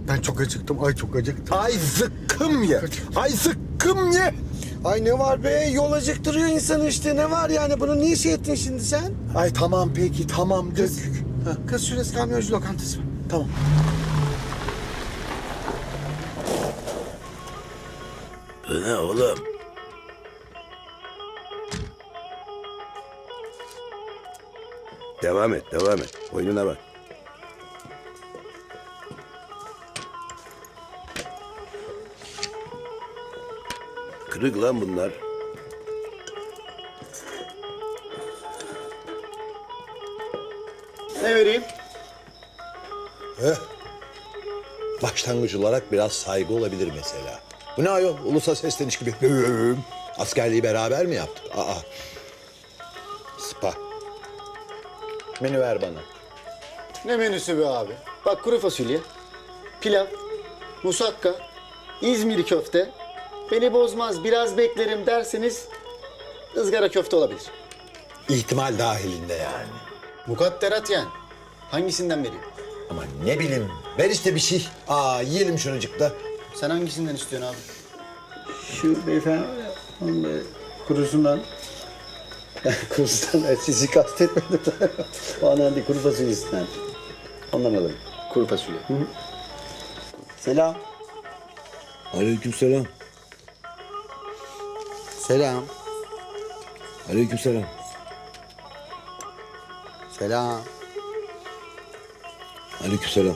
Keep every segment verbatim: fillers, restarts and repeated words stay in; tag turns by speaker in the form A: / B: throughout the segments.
A: Ben çok acıktım. Ay çok acıktım. Ay zıkkım ye. Ay zıkkım ye.
B: Ay ne var be? Yol acıktırıyor insanı işte. Ne var yani? Bunu niye şey ettin şimdi sen?
A: Ay tamam peki tamam dök.
B: Kız şurası kamyoncu lokantası.
A: Tamam.
C: Bu ne oğlum? Devam et, devam et. Oyununa bak. Kırık lan bunlar.
D: Ne vereyim?
E: Başlangıç olarak biraz saygı olabilir mesela. Bu ne ayol? Ulusa sesleniş gibi. Askerliği beraber mi yaptık? Aa. Spa. Menü ver bana.
D: Ne menüsü be abi? Bak kuru fasulye, pilav, musakka, İzmir köfte. Beni bozmaz biraz beklerim derseniz ızgara köfte olabilir.
E: İhtimal dahilinde yani.
D: Mukadderat yani. Hangisinden vereyim?
E: Ama ne bileyim. Ver işte bir şey. Aa yiyelim şunucukta.
D: Sen hangisinden istiyorsun abi? Şu beyefendi var ya, onun böyle kurusundan. Kurusundan, sizi kastetmedim. O andan değil, kuru fasulyesinden. Ondan alırım. Kuru fasulye. Hı hı. Selam.
C: Aleykümselam.
B: Selam.
C: Aleykümselam.
B: Selam.
C: Aleykümselam.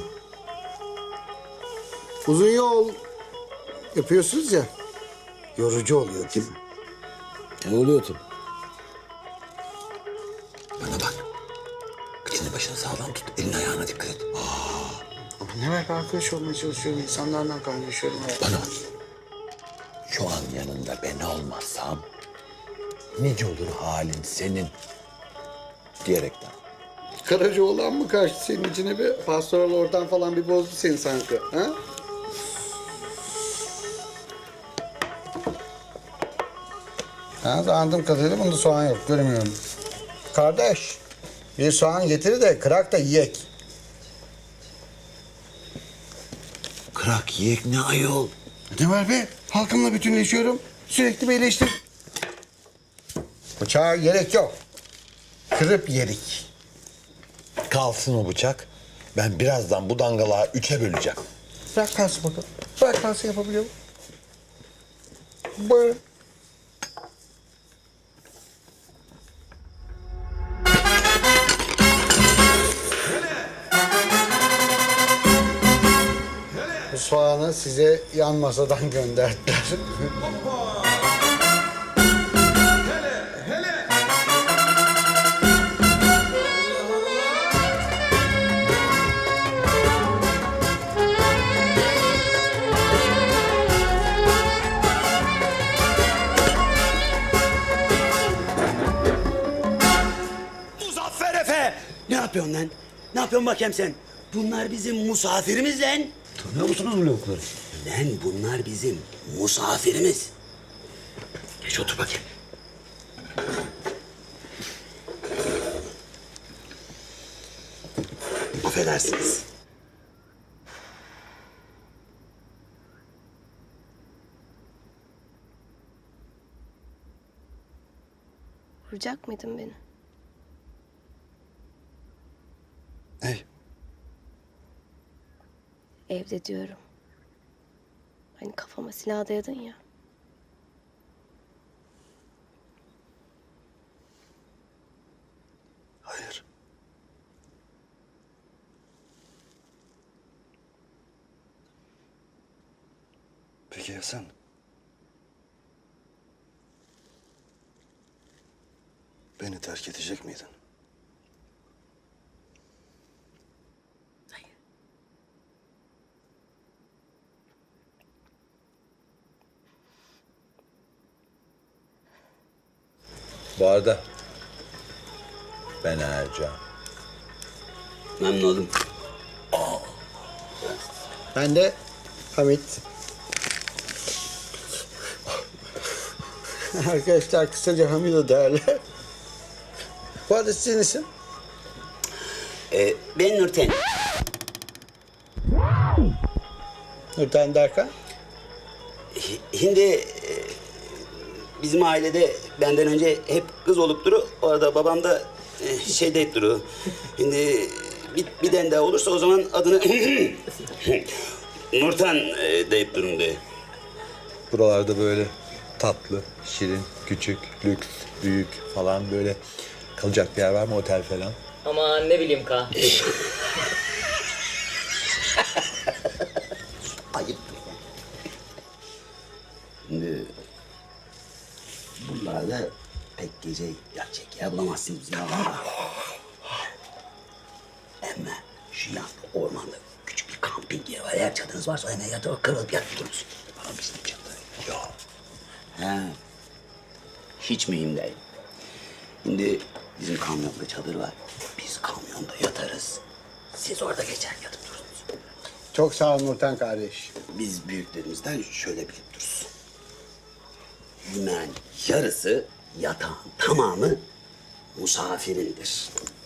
B: Uzun yol yapıyorsunuz ya. Yorucu oluyor değil mi?
C: Ne oluyor tabii?
E: Bana bak. Kıçını başını sağlam tut. Elini ayağına dikkat et.
B: Ama ne demek arkadaş olmaya çalışıyorum. İnsanlardan kaynaşıyorum.
E: Bana bak. Şu an yanında ben olmazsam nice olur halin senin diyerekten.
B: Karacaoğlan mı kaçtı senin içine bir? Pastoral oradan falan bir bozdu seni sanki. Ha? Ha, anladığım kadarıyla bunda soğan yok. Göremiyorum. Kardeş, bir soğan getir de kırak da yiyek.
E: Kırak yiyek ne ayol?
B: Ne var be? Halkımla bütünleşiyorum. Sürekli bir eleştir. Bıçağa gerek yok. Kırıp yerik.
E: Kalsın o bıçak. Ben birazdan bu dangalağı üçe böleceğim.
B: Bırak kalsın bakalım. Bırak kalsın yapabiliyor mu? Buyurun. Bu soğanı size yan masadan gönderdiler.
F: Muzaffer Efe! Ne yapıyorsun lan? Ne yapıyorsun bakayım sen? Bunlar bizim misafirimiz lan.
C: Tanıyor musunuz bu lavukları?
F: Lan bunlar bizim misafirimiz. Geç otur bakayım. Affedersiniz.
G: Vuracak mıydın beni?
B: Ne?
G: Evde diyorum. Hani kafama silah dayadın ya.
B: Hayır.
H: Peki ya sen? Beni terk edecek miydin?
G: Hayır.
E: Bu arada ben Ercan.
F: Memnun oldum.
B: Ben de Hamit. Arkadaşlar kısaca Hamido derler. Bu arada sizin isim?
F: Ee, ben Nurten.
B: Nurten derken?
F: Şimdi e, bizim ailede benden önce hep kız olup duru. Orada babam da e, şey deyip duru. Şimdi bir, bir tane daha olursa o zaman adını Nurten e, deyip durun de.
E: Buralarda böyle tatlı, şirin, küçük, lüks, büyük falan böyle kalacak bir yer var mı? Otel falan.
I: Ama ne bileyim ka.
F: Ayıp. Şimdi buralarda pek gece yatacak yer bulamazsınız bizim oralarda. Ama şu yanda ormanda küçük bir kamping yeri var. Eğer çadırınız varsa hemen yatıp kırılıp yatıp durursunuz. Bana bizim çadır. Yok. He. Hiç mühim değil. Şimdi bizim kamyonda çadır var. Biz kamyonda yatarız. Siz orada geçer yatıp durursunuz.
B: Çok sağ ol Nurten kardeş.
F: Biz büyüklerimizden şöyle bilip dururuz. Yemeğin yarısı, yatağın tamamı musafirindir.